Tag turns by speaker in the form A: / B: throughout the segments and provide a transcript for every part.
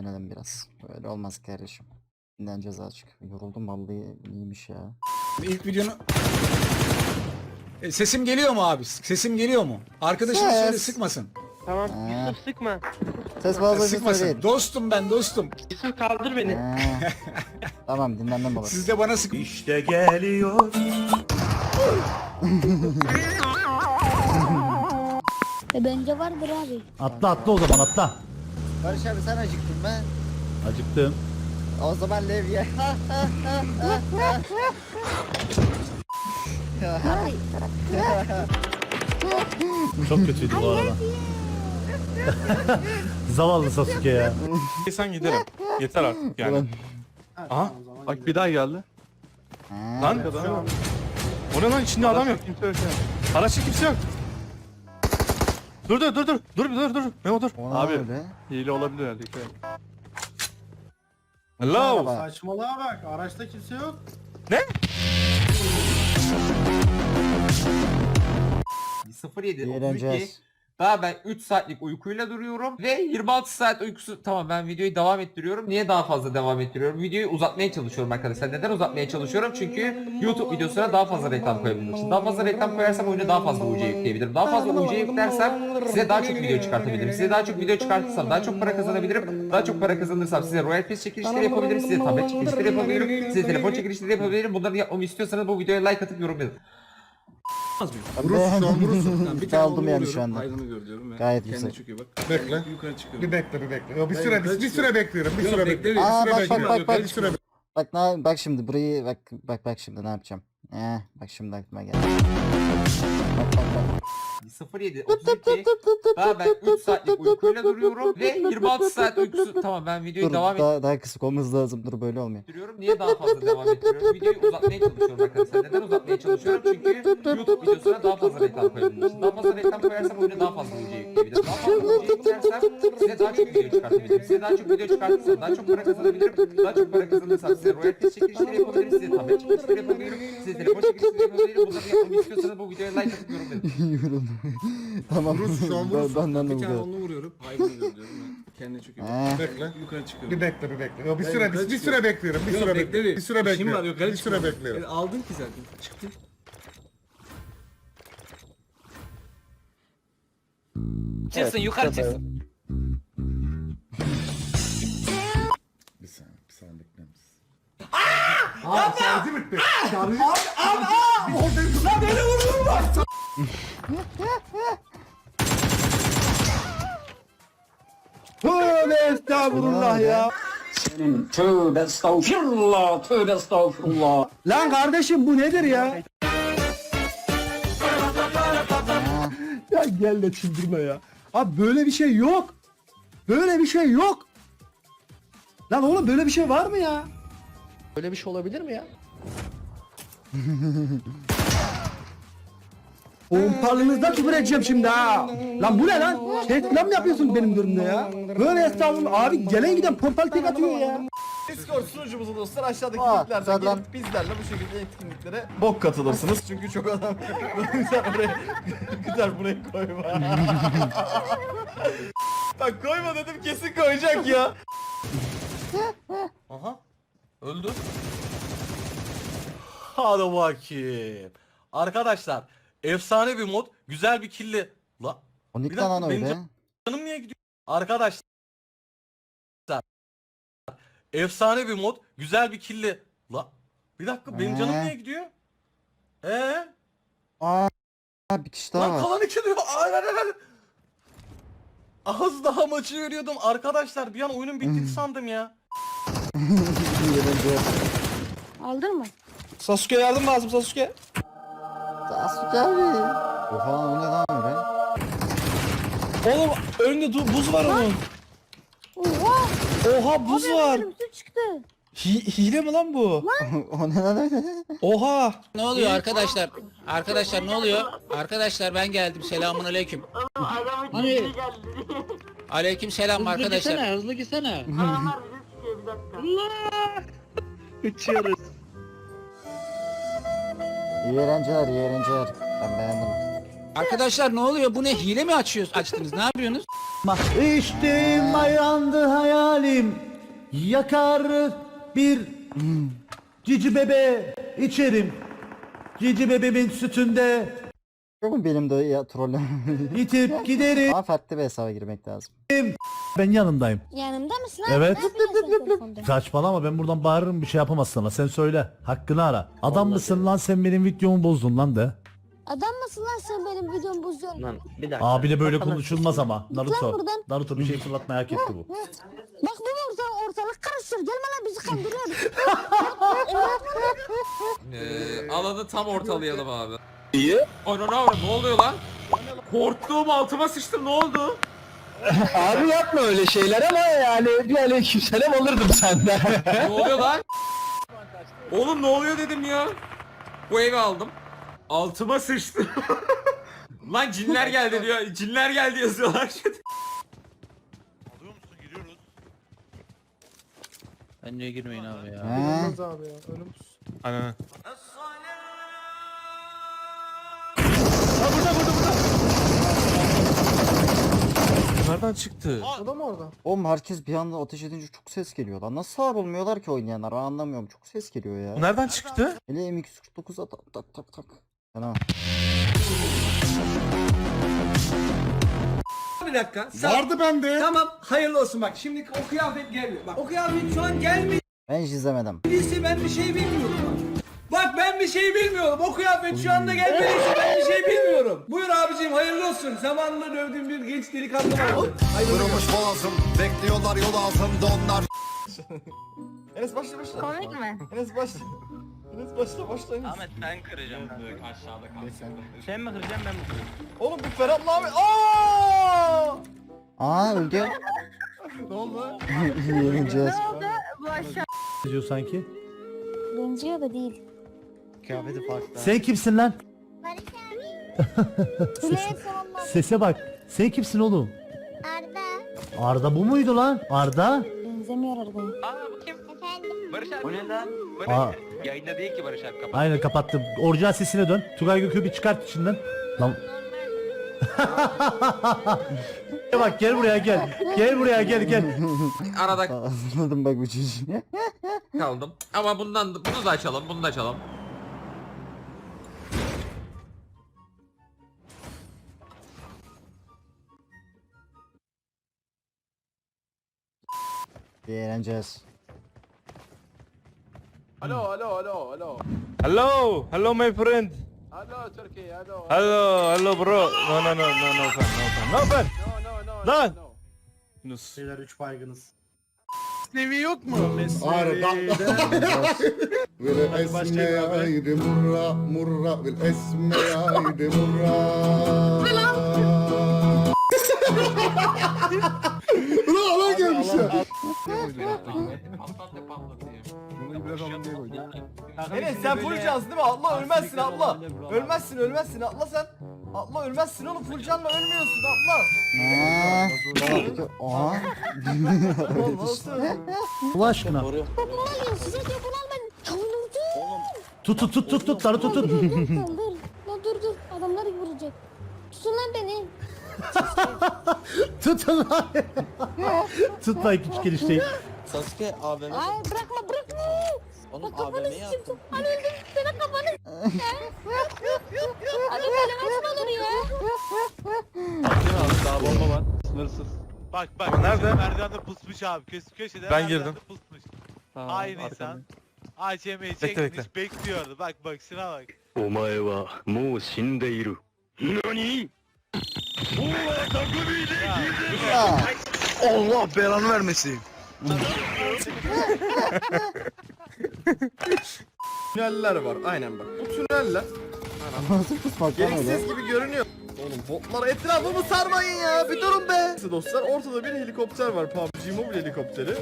A: Dinlenelim biraz. Böyle olmaz kardeşim. Dinleneceğiz azıcık. Yoruldum vallahi, iyiymiş ya.
B: İlk videonu... Sesim geliyor mu abi? Sesim geliyor mu? Arkadaşına
A: Ses.
B: söyle sıkmasın.
C: Tamam
A: Ha.
C: Yusuf sıkma.
A: Ses fazla ses
B: Sıkmasın.
A: değil.
B: Dostum ben dostum.
C: Yusuf kaldır beni.
A: Ha. Tamam, dinlenmem olur.
B: Siz de bana sık...
D: İşte geliyor.
E: Bence vardır abi.
F: Atla atla o zaman atla.
A: Barış abi sen acıktın mı?
F: Acıktım.
A: O zaman levye.
F: Çok kötüydü bu arada. Zavallı Sasuke ya.
G: Sen giderim. Yeter artık yani.
A: Ulan.
G: Aha. Bak bir daha geldi.
A: Ha.
G: Lan. O ne lan, içinde adam yok. Araçta kimse yok. Dur. Memo dur.
A: O ne
G: Abi
A: öyle?
G: hile olabilir herhalde.
A: Merhaba.
G: Hello.
H: Saçmalığa bak, araçta kimse yok.
G: Ne?
I: 07 32.
A: Eğleneceğiz.
I: Daha ben 3 saatlik uykuyla duruyorum ve 26 saat uykusu. Tamam, ben videoyu devam ettiriyorum. Niye daha fazla devam ettiriyorum? Videoyu uzatmaya çalışıyorum arkadaşlar. Neden uzatmaya çalışıyorum? Çünkü YouTube videosuna daha fazla reklam koyabilmek için. Daha fazla reklam koyarsam oyuna daha fazla UC yükleyebilirim. Daha fazla UC yüklersem size daha çok video çıkartabilirim. Size daha çok video çıkartırsam daha çok para kazanabilirim. Daha çok para kazanırsam size Royal Pass çekilişleri yapabilirim. Size tablet çekilişleri yapabilirim. Size telefon çekilişleri yapabilirim. Bunları yapmamı istiyorsanız bu videoya like atıp yorum yazın.
A: Vurursun
H: şu an vurursun.
A: Bir aldım yani şu anda.
H: Aydın'ı gör diyorum ve
A: Gayet
H: kendine
A: güzel.
H: çekiyor bak.
J: Bekle.
H: Yukarı çıkıyor.
J: Bir bekle. Yo, bir süre bekliyorum. Bir süre bekliyorum.
A: Aa,
J: Bir
A: bak,
J: süre
A: bak,
J: bekliyorum.
A: bak.
J: Bir süre
A: Bak şimdi burayı bak şimdi ne yapacağım. Bak şimdi aklıma geldi. Bak.
I: 07 32. Daha ben 3 saatlik uykuyla duruyorum ve 26 saat uykusu. Tamam, ben videoyu
A: Dur,
I: devam
A: daha kısık olması lazım. Dur, böyle olmuyor.
I: ettiriyorum. Niye daha fazla devam ettiriyorum? Videoyu uzatmaya çalışıyorum arkadaşlar. Neden uzatmaya çalışıyorum? Çünkü YouTube videosuna daha fazla reklam koyabilmek için. Daha fazla reklam koyarsam oyuna daha fazla UC yükleyebilirim. Daha fazla UC yüklersem size daha çok video çıkartabilirim. Size daha çok video çıkartırsam daha çok para kazanabilirim. Daha çok para kazanırsam size Royal Pass çekilişleri yapabilirim. Size tablet çekilişleri yapabilirim. Size telefon çekilişleri yapabilirim. Bunları yapmamı istiyorsanız bu videoya like atıp yorum yazın.
A: Yoruldum. Tamam.
H: Vurursun şu an vurursun.
A: Benden de
H: Bir tane
A: vuruyor.
H: onu vuruyorum. Aydın'ı gör diyorum ben. Kendine çekiyor.
A: Ha.
J: bekle.
H: Yukarı çıkıyor.
J: Bir bekle. Yo, bir
H: Ben
J: süre
H: yukarı
J: bir
H: çıkıyorum.
J: süre bekliyorum. Bir
H: Yok,
J: süre
H: bekle
J: bekliyorum. Bir süre
H: İşim var,
J: bekliyorum.
H: yukarı
J: Bir süre
H: çıkıyorum.
J: bekliyorum.
H: Aldın ki zaten. Çıktı.
C: Çıksın yukarı çıksın.
J: Bir saniye bekler misin?
H: Şarjı bitti. Şarjı
F: Tövbe estağfurullah ya.
C: Tövbe estağfurullah.
F: Lan kardeşim bu nedir ya? Ya gel de çıldırma ya. Abi böyle bir şey yok. Böyle bir şey yok. Lan oğlum böyle bir şey var mı ya?
C: Böyle bir şey olabilir mi ya?
F: Pompalınızda küfür edeceğim şimdi ha. Lan bu ne lan? Reklam mı yapıyorsun benim durumda ya? Böyle estağfurullah abi, gelen giden pompalı tek atıyor ya.
D: Discord sunucumuzu dostlar aşağıdaki
A: Aa,
D: linklerden
A: güzel lan.
D: gelip bizlerle bu şekilde etkinliklere bok katılırsınız. Çünkü çok adam güzel buraya koyma. Bak koyma dedim, kesin koyacak ya. Aha. Öldü. Hadi bakayım. Arkadaşlar efsane bir mod, güzel bir killi. La
A: O
D: Bir
A: ne
D: dakika,
A: lan
D: benim
A: öyle?
D: canım niye gidiyor? Arkadaşlar efsane bir mod, güzel bir killi. La bir dakika, benim canım niye gidiyor?
A: Aa, bir kişi daha
D: Lan
A: var.
D: kalan iki diyor. Ay. Az daha maçı veriyordum arkadaşlar, bir an oyunun bittiğini sandım ya.
E: Aldın mı?
G: Sasuke yardım lazım Sasuke.
A: Sasuke abi. Oha, o ne lan öyle?
G: Oğlum önünde buz var onun.
E: Oha!
G: Oha buz var.
E: Önümüze çıktı.
G: Hile mi lan bu?
A: O ne lan öyle?
G: Oha.
C: Ne oluyor arkadaşlar? Arkadaşlar ne oluyor? Arkadaşlar ben geldim. Selamun aleyküm. Hani? Aleyküm selam arkadaşlar.
F: Hızlı gitsene.
A: İyi eğlenceler. Ben beğendim.
C: Arkadaşlar ne oluyor? Bu ne? Hile mi açtınız? Ne yapıyorsunuz?
F: İçtim ayandı hayalim. Yakar bir cici bebe içerim. Cici bebemin sütünde
A: Yok mu benim de ya trollü?
F: itip giderim.
A: Ama farklı bir hesaba girmek lazım.
F: Ben yanındayım.
E: Yanımda mısın abi?
F: Evet.
E: Ne yapıyorsun telefonda?
F: Saçmalama, ben buradan bağırırım, bir şey yapamaz sana. Sen söyle. Hakkını ara. Adam mısın lan, sen benim videomu bozdun lan de.
E: Adam mısın lan sen benim videomu bozuyorsun?
H: Lan bir dakika.
F: Abiyle böyle konuşulmaz ama.
E: Git lan
F: Naruto.
E: buradan.
F: Naruto bir şey fırlatmaya hak etti bu.
E: Bak bu ortalık karıştır. Gelme lan bizi kandırıyor.
I: Alanı tam ortalayalım abi. İyi. Anana ne oluyor lan? Korktuğum altıma sıçtım, ne oldu?
B: Abi yapma öyle şeyler ama yani bir aleykümselam alırdım senden.
I: Ne oluyor lan? Oğlum ne oluyor dedim ya. Bu evi aldım. Altıma sıçtı. Lan cinler geldi diyor. Cinler geldi yazıyorlar.
G: Alıyor musun? Giriyoruz.
C: Bence girmeyin abi ya.
A: He?
G: Aynen. Nereden çıktı?
A: Oğlum herkes bir anda ateş edince çok ses geliyor lan. Nasıl sağır olmuyorlar ki oynayanlar? Ben anlamıyorum. Çok ses geliyor ya.
G: Bu nereden çıktı?
A: Hele M249'a tak tak tak tak. Fena.
B: Bir dakika.
J: Vardı bende.
B: Tamam hayırlı olsun bak. Şimdi o kıyafet gelmiyor. Bak o kıyafet şu an gelmediyse
A: Ben hiç izlemedim.
B: ben bir şey bilmiyorum. Bak ben bir şey bilmiyorum. O kıyafet şu anda gelmediyse ben bir şey bilmiyorum. Buyur abicim hayırlı olsun. Zamanında dövdüğüm bir genç delikanlı vardı.
J: Kırılmış boğazım. Bekliyorlar yol altında onlar.
H: Enes başla başla.
E: Komik mi?
H: Enes başla. Enes başla başla Enes.
D: Ahmet ben kıracağım. Aşağıda kalsın.
H: Sen mi kıracaksın ben mi kıracağım? Oğlum bu Ferhat'la abi. Aaaa!
A: Aa öldü.
H: Ne oldu?
A: Yeneceğiz.
F: Ne diyor sanki?
E: Benziyor da değil.
F: Sen kimsin lan?
E: Süleyman sonunda.
F: Sese bak. Sen kimsin oğlum?
E: Arda.
F: Arda bu muydu lan? Arda?
E: Benzemiyor Arda'ya.
D: Barış abi. O ne lan?
F: Aa,
D: Yayında değil ki Barış abi, kapat.
F: aynen kapattım. Orijinal sesine dön. Tugay Gökü bir çıkart içinden. Lan. Bak gel buraya gel. Gel buraya gel.
I: Arada
A: Anladım bak bu çocuğu.
I: kaldım. Ama bunu da açalım, bunu da açalım.
A: Eğleneceğiz.
G: Hello my friend. Hello bro. No fan. Lan. Yunus.
F: Beyler 3 baygınız.
G: Nevi yok mu?
J: Arda. Vel esme aydi murra murra vel esme aydi murra. Ulan alan gelmiş ya.
H: Enes sen full cansın değil mi? Atla ölmezsin atla. Ölmezsin atla sen. Atla ölmezsin oğlum, full canla ölmüyorsun atla.
A: Aha.
H: Oğlum nasıl?
F: Allah aşkına.
E: Bunu alıyor size diyor bunu al ben.
F: Tut Naruto tut.
E: Dur. Adamlar vuracak. Tutun lan beni.
F: Tutun lan. Tut lan küçük gelişteyi.
H: Sasuke AVM.
E: Ay bırakma. Bak kafanı sıçayım. Hani öldüm senin kafanı. Abi böyle maç mı olur ya?
G: Daha bomba var. Sınırsız. Bak nerede? Merdivende pusmuş abi. Köşede
D: Ben girdim.
G: Pusmuş. Aynı insan. ACM'yi
D: Bekle.
G: çekmiş bekliyordu. Bak şuna bak.
K: お前はもう死んでいる。何
G: Allah belanı vermesin.
H: Tüneller var aynen bak. Bu tüneller
A: Nasıl kusmak lan öyle?
H: gereksiz gibi görünüyor. Oğlum botlar etrafımı sarmayın ya, bir durun be. Dostlar ortada bir helikopter var, PUBG Mobile helikopteri.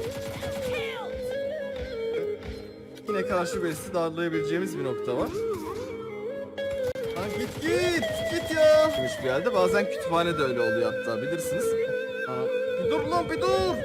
H: Yine karşı birisi darlayabileceğimiz bir nokta var. Lan git ya. Gitmiş bir yerde, bazen kütüphane de öyle oluyor hatta, bilirsiniz. Aa, bir dur lan bir dur.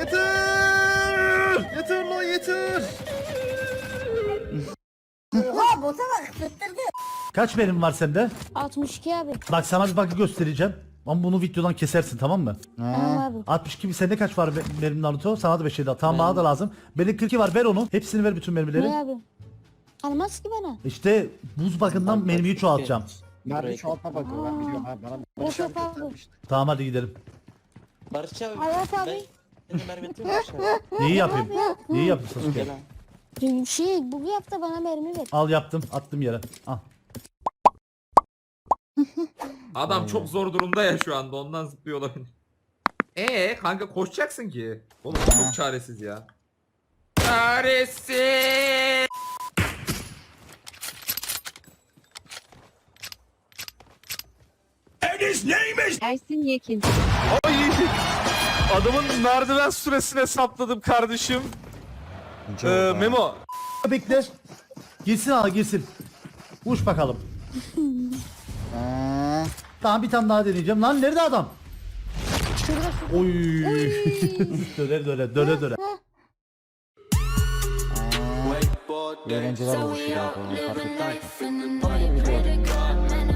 H: Yeter lan yeter.
E: Oha bota bak tutturdu.
F: Kaç mermin var sende?
E: 62 abi.
F: Bak sana bir bug'ı göstereceğim. Ama bunu videodan kesersin tamam mı?
E: Tamam abi.
F: 62 sende kaç var mermin Naruto? Sana da 5 şey daha. Tamam bana da lazım. Benim 42 var ver onu. Hepsini ver bütün mermileri.
E: Ne abi? Almaz ki bana.
F: İşte buz bakından mermiyi çoğaltacağım.
A: Mermi çoğaltma bakıyor ben biliyorum abi. Bana Barış
E: Yok
A: abi
E: abi.
A: göstermişti.
F: Tamam hadi gidelim.
E: Hayat abi.
F: Neyi yapayım? Neyi yapayım Sasuke?
E: Bu yaptı bana mermi ver.
F: Al yaptım attım yere. Al.
I: Adam çok zor durumda ya şu anda ondan zıplıyor olabilir. Kanka koşacaksın ki. Oğlum çok çaresiz ya. Çaresiz.
E: Ersin Yekin.
G: Ay! Adamın merdiven süresini hesapladım kardeşim. Memo.
F: Bekle. Girsin al girsin. Uç bakalım. Tamam bir tane daha deneyeceğim. Lan nerede adam? Oy. döne döne döne döne.
A: İyi eğlenceler olmuş ya. Fark ettin mi? Tam bir video.